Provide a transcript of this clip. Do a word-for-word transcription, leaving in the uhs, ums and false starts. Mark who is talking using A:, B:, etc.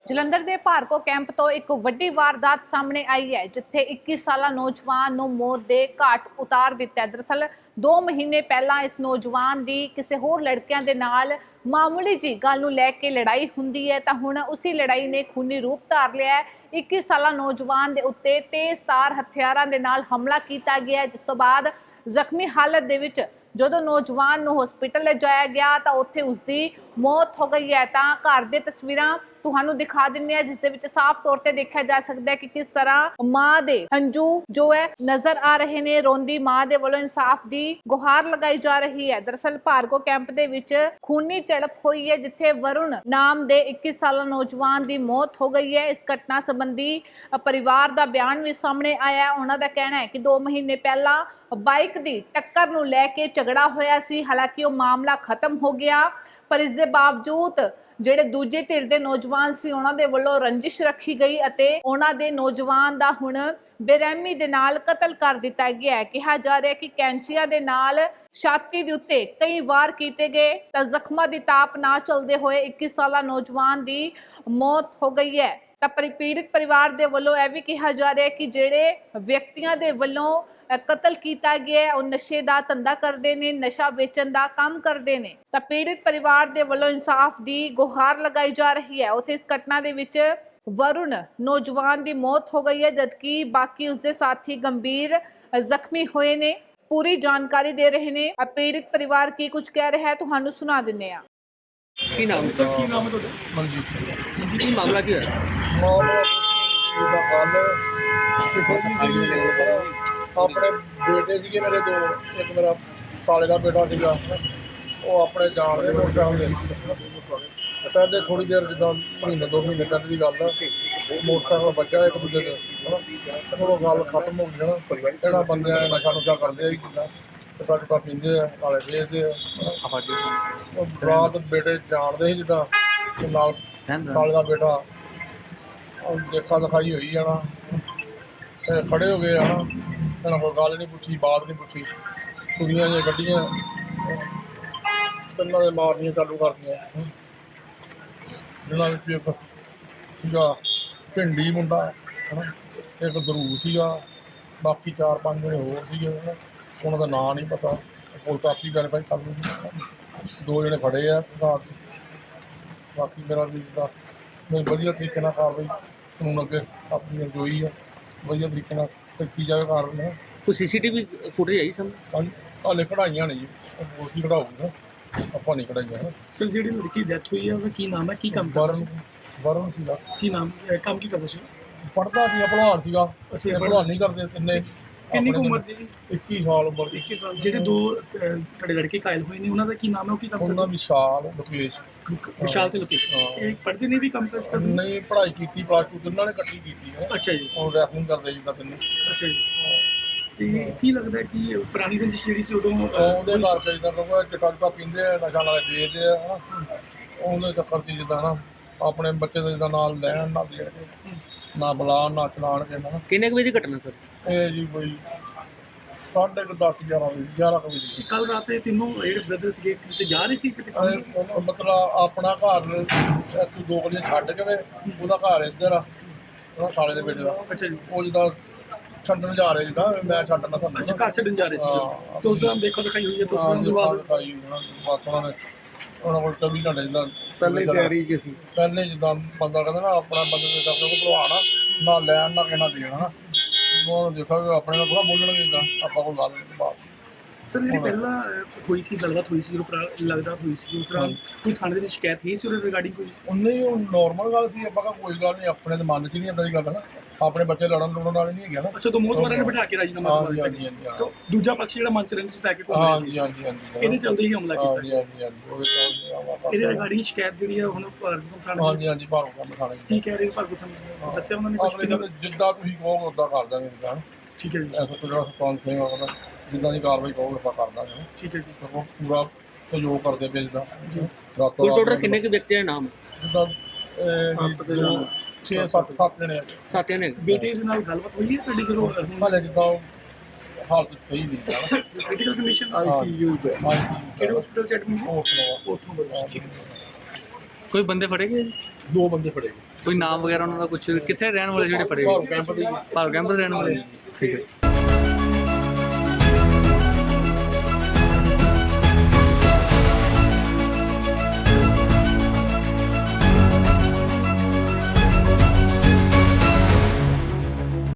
A: ਜਲੰਧਰ ਦੇ ਭਾਰਗੋ ਕੈਂਪ ਤੋਂ ਇੱਕ ਵੱਡੀ ਵਾਰਦਾਤ ਸਾਹਮਣੇ ਆਈ ਹੈ ਜਿੱਥੇ ਇੱਕੀ ਸਾਲਾ ਨੌਜਵਾਨ ਨੂੰ ਮੌਤ ਦੇ ਘਾਟ ਉਤਾਰ ਦਿੱਤਾ ਹੈ। ਦਰਅਸਲ ਦੋ ਮਹੀਨੇ ਪਹਿਲਾਂ ਇਸ ਨੌਜਵਾਨ ਦੀ ਕਿਸੇ ਹੋਰ ਲੜਕਿਆਂ ਦੇ ਨਾਲ ਮਾਮੂਲੀ ਜੀ ਗੱਲ ਨੂੰ ਲੈ ਕੇ ਲੜਾਈ ਹੁੰਦੀ ਹੈ ਤਾਂ ਹੁਣ ਉਸੇ ਲੜਾਈ ਨੇ ਖੂਨੀ ਰੂਪ ਧਾਰ ਲਿਆ ਹੈ। ਇੱਕੀ ਸਾਲਾ ਨੌਜਵਾਨ ਦੇ ਉੱਤੇ ਤੇਜ਼ਧਾਰ ਹਥਿਆਰਾਂ ਦੇ ਨਾਲ ਹਮਲਾ ਕੀਤਾ ਗਿਆ ਜਿਸ ਤੋਂ ਬਾਅਦ ਜ਼ਖਮੀ ਹਾਲਤ ਦੇ ਵਿੱਚ ਜਦੋਂ ਨੌਜਵਾਨ ਨੂੰ ਹਸਪੀਟਲ ਲਿਜਾਇਆ ਗਿਆ ਤਾਂ ਉੱਥੇ ਉਸਦੀ ਮੌਤ ਹੋ ਗਈ ਹੈ। ਤਾਂ ਘਰ ਦੀਆਂ ਤਸਵੀਰਾਂ ਤੁਹਾਨੂੰ ਦਿਖਾ ਦਿੰਦੇ ਆ ਜਿਸ ਦੇ ਵਿੱਚ ਸਾਫ਼ ਤੌਰ ਤੇ ਦੇਖਿਆ ਜਾ ਸਕਦਾ ਹੈ ਕਿ ਕਿਸ ਤਰ੍ਹਾਂ ਮਾਂ ਦੇ ਹੰਝੂ ਜੋ ਹੈ ਨਜ਼ਰ ਆ ਰਹੇ ਨੇ। ਰੋਂਦੀ ਮਾਂ ਦੇ ਵੱਲੋਂ ਇਨਸਾਫ ਦੀ ਗੁਹਾਰ ਲਗਾਈ ਜਾ ਰਹੀ ਹੈ। ਦਰਅਸਲ ਭਾਰਗੋ ਕੈਂਪ ਦੇ ਵਿੱਚ ਖੂਨੀ ਝੜਪ ਹੋਈ ਹੈ ਜਿੱਥੇ ਵਰੁਣ ਨਾਮ ਦੇ ਇੱਕੀ ਸਾਲਾ ਨੌਜਵਾਨ ਦੀ ਮੌਤ ਹੋ ਗਈ ਹੈ। ਇਸ ਘਟਨਾ ਸੰਬੰਧੀ ਪਰਿਵਾਰ ਦਾ ਬਿਆਨ ਵੀ ਸਾਹਮਣੇ ਆਇਆ ਹੈ। ਉਹਨਾਂ ਦਾ ਕਹਿਣਾ ਹੈ ਕਿ ਦੋ ਮਹੀਨੇ ਪਹਿਲਾਂ ਬਾਈਕ ਦੀ ਟੱਕਰ ਨੂੰ ਲੈ ਕੇ ਝਗੜਾ ਹੋਇਆ ਸੀ। ਹਾਲਾਂਕਿ ਉਹ ਮਾਮਲਾ ਖਤਮ ਹੋ ਗਿਆ ਪਰ ਇਸ ਦੇ ਬਾਵਜੂਦ ਜਿਹੜੇ ਦੂਜੇ ਧਿਰ ਦੇ ਨੌਜਵਾਨ ਸੀ ਉਹਨਾਂ ਦੇ ਵੱਲੋਂ ਰੰਜਿਸ਼ ਰੱਖੀ ਗਈ ਅਤੇ ਉਹਨਾਂ ਦੇ ਨੌਜਵਾਨ ਦਾ ਹੁਣ ਬੇਰਹਿਮੀ ਦੇ ਨਾਲ ਕਤਲ ਕਰ ਦਿੱਤਾ ਗਿਆ ਹੈ। ਕਿਹਾ ਜਾ ਰਿਹਾ ਕਿ ਕੈਂਚੀਆਂ ਦੇ ਨਾਲ ਛਾਤੀ ਦੇ ਉੱਤੇ ਕਈ ਵਾਰ ਕੀਤੇ ਗਏ ਤਾਂ ਜ਼ਖਮਾਂ ਦੀ ਤਾਪ ਨਾ ਚਲਦੇ ਹੋਏ ਇੱਕੀ ਸਾਲਾ ਨੌਜਵਾਨ ਦੀ ਮੌਤ ਹੋ ਗਈ ਹੈ। ਤਾਂ ਪੀੜਿਤ ਪਰਿਵਾਰ ਦੇ ਵੱਲੋਂ ਇਹ ਵੀ ਕਿਹਾ ਜਾ ਰਿਹਾ ਕਿ ਜਿਹੜੇ ਵਿਅਕਤੀਆਂ ਦੇ ਵੱਲੋਂ ਕਤਲ ਕੀਤਾ ਗਿਆ ਉਹ ਨਸ਼ੇ ਦਾ ਧੰਦਾ ਕਰਦੇ ਨੇ, ਨਸ਼ਾ ਵੇਚਣ ਦਾ ਕੰਮ ਕਰਦੇ ਨੇ। ਤਾਂ ਪੀੜਿਤ ਪਰਿਵਾਰ ਦੇ ਵੱਲੋਂ ਇਨਸਾਫ ਦੀ ਗੁਹਾਰ ਲਗਾਈ ਜਾ ਰਹੀ ਹੈ। ਉੱਥੇ ਇਸ ਘਟਨਾ ਦੇ ਵਿੱਚ ਵਰੁਣ ਨੌਜਵਾਨ ਦੀ ਮੌਤ ਹੋ ਗਈ ਹੈ ਜਦਕਿ ਬਾਕੀ ਉਸਦੇ ਸਾਥੀ ਗੰਭੀਰ ਜ਼ਖਮੀ ਹੋਏ ਨੇ। ਪੂਰੀ ਜਾਣਕਾਰੀ ਦੇ ਰਹੇ ਨੇ ਪੀੜਿਤ ਪਰਿਵਾਰ ਕੀ ਕੁਝ ਕਹਿ ਰਿਹਾ ਹੈ ਤੁਹਾਨੂੰ ਸੁਣਾ ਦਿੰਦੇ ਆ।
B: ਕੀ ਨਾਮ ਸਰ? ਕੀ ਨਾਮ ਹੈ ਤੁਹਾਡਾ?
C: ਮਨਜੀਤ ਸਿੰਘ।
B: ਜੀ ਕੀ ਮਾਮਲਾ ਕੀ ਹੋਇਆ?
C: ਮਾਮਲਾ ਇਹਦਾ ਕੱਲ ਆਪਣੇ ਬੇਟੇ ਸੀਗੇ ਮੇਰੇ ਦੋ, ਇੱਕ ਮੇਰਾ ਸਾਲੇ ਦਾ ਬੇਟਾ ਸੀਗਾ, ਉਹ ਆਪਣੇ ਜਾਣ ਦੇ ਮੋਟਰਸਾਈਕਲ ਦੇ ਪਹਿਲੇ ਥੋੜ੍ਹੀ ਦੇਰ ਜਿੱਦਾਂ ਮਹੀਨੇ ਦੋ ਮਹੀਨੇ ਪਹਿਲੇ ਦੀ ਗੱਲ ਆ, ਮੋਟਰਸਾਈਕਲ ਵੱਜਾ ਇੱਕ ਦੂਜੇ ਦੇ ਹੈ ਨਾ, ਉਹ ਗੱਲ ਖਤਮ ਹੋ ਗਈ ਨਾ। ਇਹਨਾਂ ਬੰਦਿਆਂ ਨੇ ਨਸ਼ਾ ਨੁਸ਼ਾ ਕਰਦੇ ਆ ਜੀ, ਕਿੱਦਾਂ ਚਿੱਟਾ ਚੁੱਟਾ ਪੀਂਦੇ ਆ, ਨਾਲੇ ਵੇਚਦੇ ਆ। ਉਹ ਬਰਾਤ ਬੇਟੇ ਜਾਣਦੇ ਸੀ ਜਿੱਦਾਂ ਨਾਲ ਸਾਲੇ ਦਾ ਬੇਟਾ, ਉਹ ਦੇਖਾ ਦਿਖਾਈ ਹੋਈ ਜਾਣਾ, ਖੜੇ ਹੋ ਗਏ ਆ ਨਾ, ਇਹਨਾਂ ਕੋਈ ਗੱਲ ਨਹੀਂ ਪੁੱਛੀ, ਬਾਤ ਨਹੀਂ ਪੁੱਛੀ, ਕੁੜੀਆਂ ਜਿਹੀਆਂ ਗੱਡੀਆਂ ਤਿੰਨਾਂ ਦੇ ਮਾਰਨੀਆਂ ਚਾਲੂ ਕਰਦੀਆਂ। ਜਿਹਨਾਂ ਵਿੱਚ ਇੱਕ ਸੀਗਾ ਭਿੰਡੀ ਮੁੰਡਾ ਹੈ ਨਾ, ਇੱਕ ਦਰੂ ਸੀਗਾ, ਬਾਕੀ ਚਾਰ ਪੰਜ ਜਣੇ ਹੋਰ ਸੀਗੇ ਉਹਨਾਂ ਦਾ ਨਾਂ ਨਹੀਂ ਪਤਾ, ਕੋਲ ਕਾਪੀ ਕਰ ਭਾਈ ਕਰ ਲੂਗੀ। ਦੋ ਜਣੇ ਖੜੇ ਆ ਰਾਤ, ਬਾਕੀ ਮੇਰਾ ਵੀ ਦਾ ਮੈਂ ਵਧੀਆ ਤਰੀਕੇ ਨਾਲ ਕਾਰਵਾਈ ਕਾਨੂੰਨ ਅੱਗੇ ਆਪਣੀ ਰਜੋਈ ਆ, ਵਧੀਆ ਤਰੀਕੇ ਨਾਲ ਕੀਤੀ ਜਾਵੇ ਕਾਰਵਾਈ।
B: ਕੋਈ ਸੀ ਸੀ ਟੀ ਵੀ ਫੁਟੇਜ ਆਈ ਸਾਹਮਣੇ?
C: ਹਾਂਜੀ, ਹਾਲੇ ਕਢਾਈਆਂ ਨੇ ਜੀ, ਮੋਸਟਲੀ ਕਢਾਊਗਾ, ਆਪਾਂ ਨਹੀਂ ਕਢਾਈਆਂ।
D: ਸਰ ਜਿਹੜੀ ਲੜਕੀ ਡੈਥ ਹੋਈ ਹੈ ਉਹਦਾ ਕੀ ਨਾਮ ਹੈ, ਕੀ ਕੰਮ ਕਰਦਾ
C: ਵਰਨ ਵਰਨ ਸੀਗਾ।
D: ਕੀ ਨਾਮ ਕੰਮ ਕੀ ਕਰਦਾ ਸੀ?
C: ਪੜ੍ਹਦਾ ਸੀਗਾ, ਭਲਵਾਨ ਸੀਗਾ। ਅਸੀਂ ਭਲਵਾਨ ਨਹੀਂ ਕਰਦੇ ਤਿੰਨੇ।
D: ਕਿੰਨੀ ਕੁ ਉਮਰ ਦੀ ਜੀ?
C: ਇੱਕੀ ਸਾਲ ਉਮਰ ਦੀ।
D: ਇੱਕੀ ਸਾਲ। ਜਿਹੜੇ ਦੋ ਤੁਹਾਡੇ ਲੜਕੇ ਘਾਇਲ ਹੋਏ ਨੇ ਉਹਨਾਂ ਦਾ ਕੀ ਨਾਮ ਹੈ, ਉਹ ਕੀ ਕੰਮ
C: ਉਹਨਾਂ
D: ਕਰਦੇ?
C: ਵਿਸ਼ਾਲ ਲੋਕੇਸ਼।
D: ਵਿਸ਼ਾਲ ਤੇ ਲੋਕੇਸ਼। ਇਹ ਪੜ੍ਹਦੇ ਨੇ ਵੀ ਕੰਮ ਕਰਦੇ?
C: ਨਹੀਂ, ਪੜ੍ਹਾਈ ਕੀਤੀ ਪਲੱਸ ਟੂ ਤਿੰਨਾਂ ਨੇ ਇਕੱਠੀ ਕੀਤੀ ਹੈ।
D: ਅੱਛਾ ਜੀ।
C: ਉਹ ਰੈਸਲਿੰਗ ਕਰਦੇ ਜਿੱਦਾਂ ਤਿੰਨੇ।
D: ਅੱਛਾ ਜੀ। ਤੇ ਕੀ ਲੱਗਦਾ ਕਿ ਪੁਰਾਣੀ ਰੰਜਿਸ਼ ਜਿਹੜੀ ਸੀ ਉਦੋਂ
C: ਉਹਦੇ ਕਰਕੇ ਜਿੱਦਾਂ ਕਿਉਂਕਿ ਚਿੱਟਾ ਚੁੱਟਾ ਪੀਂਦੇ ਆ, ਨਸ਼ਾ ਨਾਲੇ ਵੇਚਦੇ ਆ ਹੈ ਨਾ, ਉਹਦੇ ਚੱਕਰ 'ਚ ਜਿੱਦਾਂ ਨਾ ਆਪਣੇ ਬੱਚੇ ਦੇ ਜਿੱਦਾਂ ਨਾਲ ਲੈਣ ਨਾ ਦੇਣ ਕੇ, ਨਾ ਬੁਲਾਉਣ ਨਾ ਚਲਾਉਣ ਕੇ ਨਾ।
B: ਕਿੰਨੇ ਕੁ ਵਜੇ ਦੀ ਘਟਨਾ ਸਰ?
C: ਇਹ ਜੀ ਕੋਈ ਸਾਢੇ ਕੁ ਦਸ ਗਿਆਰਾਂ ਵਜੇ ਗਿਆਰਾਂ ਕੁ ਵਜੇ।
D: ਕੱਲ ਰਾਤ ਇਹ ਤਿੰਨੋਂ ਜਿਹੜੇ ਬ੍ਰਦਰ ਸੀਗੇ ਕਿਤੇ ਜਾ ਰਹੇ ਸੀ ਕਿਤੇ?
C: ਮਤਲਬ ਆਪਣਾ ਘਰ ਇੱਕ ਦੋ ਗਲੀਆਂ ਛੱਡ ਕੇ ਉਹਦਾ ਘਰ ਇੱਧਰ ਆ, ਉਹਦਾ ਸਾਲੇ ਦੇ ਬੇਟੇ ਦਾ।
D: ਅੱਛਾ ਜੀ।
C: ਉਹ ਜਿੱਦਾਂ ਛੱਡਣ ਜਾ ਰਹੇ ਜਿੱਦਾਂ ਮੈਂ ਛੱਡਣਾ ਤੁਹਾਨੂੰ।
D: ਅੱਛਾ, ਘਰ ਛੱਡਣ ਜਾ ਰਹੇ ਸੀ ਤੇ ਉਸ ਦੌਰਾਨ ਦੇਖੋ ਦਿਖਾਈ ਹੋਈ ਹੈ? ਉਸ ਤੋਂ ਬਾਅਦ
C: ਦਿਖਾਈ ਬਸ ਉਹਨਾਂ ਨੇ ਉਹਨਾਂ ਕੋਲ ਚੌਵੀ ਘੰਟੇ ਜਿੱਦਾਂ
E: ਪਹਿਲੇ ਤਿਆਰੀ ਚ ਸੀ,
C: ਪਹਿਲੇ ਜਿੱਦਾਂ ਬੰਦਾ ਕਹਿੰਦਾ ਨਾ ਆਪਣਾ ਬੰਦੇ ਦੇ ਆਪਣੇ ਕੋਲ ਭਲਵਾਨ ਆ, ਨਾ ਲੈਣ ਨਾ ਕਹਿਣਾ ਦੇਣਾ ਨਾ, ਉਹ ਦੇਖਾਂਗੇ ਆਪਣੇ ਨਾਲ ਥੋੜ੍ਹਾ ਬੋਲਣਗੇ ਜਿੱਦਾਂ ਆਪਾਂ ਕੋਲ ਗੱਲ ਨਹੀਂ ਬਾਤ।
D: ਸਰ ਜਿਹੜੀ ਪਹਿਲਾਂ ਹੋਈ ਸੀ ਗੱਲਬਾਤ ਹੋਈ ਸੀ ਜਦੋਂ ਲੱਗਦਾ ਹੋਈ ਸੀ ਉਸ ਤਰ੍ਹਾਂ ਕੋਈ ਥਾਣੇ ਦੇ ਵਿੱਚ ਸ਼ਿਕਾਇਤ ਹੀ ਸੀ ਉਹਦੇ ਰਿਗਾਰਡਿੰਗ ਕੋਈ?
C: ਉਹਨੇ ਉਹ ਨੋਰਮਲ ਗੱਲ ਸੀ, ਆਪਾਂ ਕੋਈ ਗੱਲ ਨਹੀਂ, ਆਪਣੇ ਦੇ ਮਨ 'ਚ ਨਹੀਂ ਇੱਦਾਂ ਦੀ ਗੱਲ ਨਾ, ਆਪਣੇ ਬੱਚੇ ਲੜਨ ਲੜਨ ਵਾਲੇ ਨਹੀਂ ਹੈਗੇ ਨਾ।
D: ਅੱਛਾ, ਤੋਂ ਮੋਹਤਵਾਰਾਂ ਨੇ ਬਿਠਾ ਕੇ ਰਾਜੀਨਾਮਾ
C: ਹਾਂਜੀ ਹਾਂਜੀ ਹਾਂਜੀ
D: ਤਾਂ ਦੂਜਾ ਪਕਸ਼ ਜਿਹੜਾ ਮੰਚ ਰੰਜਿਸ਼ ਲੈ ਕੇ ਕੋਲ
C: ਹਾਂਜੀ ਹਾਂਜੀ ਹਾਂਜੀ
D: ਇਹਦੇ ਚੱਲਦੇ ਹੀ ਹਮਲਾ ਕੀਤਾ?
C: ਹਾਂਜੀ ਹਾਂਜੀ ਹਾਂਜੀ ਉਹਦੇ ਤੋਂ
D: ਇਹਦੇ ਰਿਗਾਰਡਿੰਗ ਸ਼ਿਕਾਇਤ ਜਿਹੜੀ ਹੈ ਹੁਣ ਭਾਰਗੋ ਥਾਣੇ?
C: ਹਾਂਜੀ ਹਾਂਜੀ ਭਾਰਗੋ ਕੰਮ ਖਾਣੇ
D: ਕੀ ਕਹਿ ਰਹੇ ਭਾਰਗੋ ਥਾਣੇ ਦੱਸਿਆ ਉਹਨਾਂ ਨੇ ਕੁਝ?
C: ਜਿੱਦਾਂ ਤੁਸੀਂ ਕਹੋਗੇ ਉੱਦਾਂ ਕਰ ਦਾਂਗੇ ਜਿੱਦਾਂ।
D: ਠੀਕ ਹੈ ਜੀ।
C: ਐਸਾ ਕੋਈ ਜਿਹੜਾ ਸਰਪੰਚ ਸਿੰਘ ਹੋਣਾ ਜਿੱਦਾਂ ਦੀ ਕਾਰਵਾਈ ਕਹੋਗੇ ਆਪਾਂ ਕਰ ਦਾਂਗੇ।
D: ਠੀਕ ਹੈ ਜੀ।
C: ਉਹ ਪੂਰਾ ਸਹਿਯੋਗ ਕਰਦੇ ਪਏ ਜਿੱਦਾਂ ਰਾਤੋਂ
B: ਕੁੱਲ ਟੋਟਲ
C: ਰਾਤ
B: ਕਿੰਨੇ ਕੁ ਵਿਅਕਤੀਆਂ ਦੇ ਨਾਮ?
C: ਜਿੱਦਾਂ ਛੇ ਸੱਤ ਸੱਤ ਜਣੇ ਆ।
B: ਸਾਥੀਆਂ ਨੇ?
D: ਬੇਟੇ ਦੇ ਨਾਲ ਗੱਲਬਾਤ ਹੋਈ ਹੈ ਤੁਹਾਡੀ ਜਦੋਂ
C: ਹਾਲੇ ਜਿੱਦਾਂ ਹਾਲਤ ਸਹੀ ਨਹੀਂ ਹੈ,
D: critical condition?
E: I C U ਚ
C: ਆਈ ਸੀ
D: ਕਿਹੜੇ ਹਸਪੀਟਲ ਚ ਐਡਮਿਟ ਹੈ?
C: ਉਹ
D: ਉੱਥੋਂ ਬੋਲੋ। ਠੀਕ ਹੈ।
E: ਕੋਈ ਬੰਦੇ ਫੜੇ ਗਏ ਜੀ?
C: ਦੋ ਬੰਦੇ ਫੜੇ ਗਏ
E: ਕੋਈ ਨਾਮ ਵਗੈਰਾ ਉਹਨਾਂ ਦਾ ਕੁਝ ਕਿੱਥੇ ਰਹਿਣ ਵਾਲੇ ਜਿਹੜੇ ਫੜੇ
C: ਭਾਰੂ
E: ਗਏ?
C: ਕੈਂਪ ਦੇ ਹੀ ਆ।
E: ਭਾਰੂ ਕੈਂਪ ਦੇ ਰਹਿਣ ਵਾਲੇ? ਠੀਕ ਹੈ।